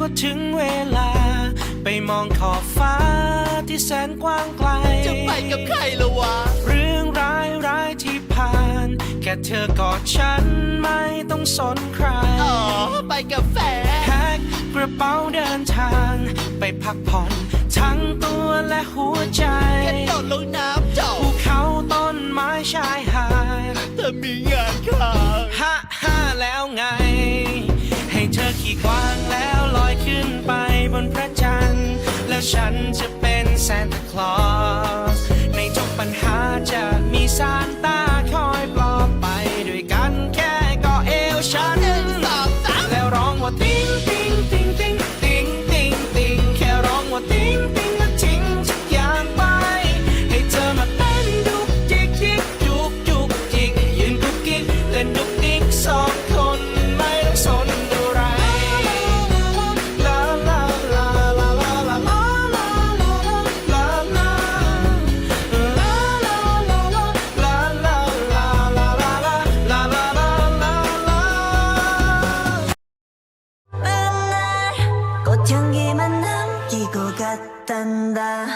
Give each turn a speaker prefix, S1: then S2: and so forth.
S1: ก็ถึงเวลาไปมองขอบฟ้าที่แสนกว้างไกล
S2: จะไปกับใครละวะ
S1: เรื่องร้ายที่ผ่านแค่เธอกอดฉันไม่ต้องสนใคร
S2: อ๋อไปกับแฟน
S1: แพ็คกระเป๋าเดินทางไปพักผ่อนทั้งตัวและหัวใจ
S2: กระโดดลงน้ำจม
S1: ภูเขาต้นไม้ชายหาด
S2: เธอมีงานค้าง
S1: ฮ่าแล้วไงให้เธอขี่กวางแล้วลอยขึ้นไปบนพระจันทร์แล้วฉันจะเป็นซานตาคลอสในทุกปัญหาจะมีซานต้าคอยปลอบไปด้วยกันแค่กอดเอวฉันแล้วร้องว่าติ๊งติ๊งติ๊งติ๊งติ๊งติ๊งติ๊งแค่ร้องว่าติ๊งติ๊งแล้วทิ้งทุกอย่างไปให้เธอมาเต้นดุกจิกจิกจุกจุกจิกยืนกุกกิ๊กเล่นดุกดิ๊กสองคนไม่ต้องสนอะไรลาลาลาลาลาลาลาลาลาลาลา
S3: 꽃향기만 남기고 갔단다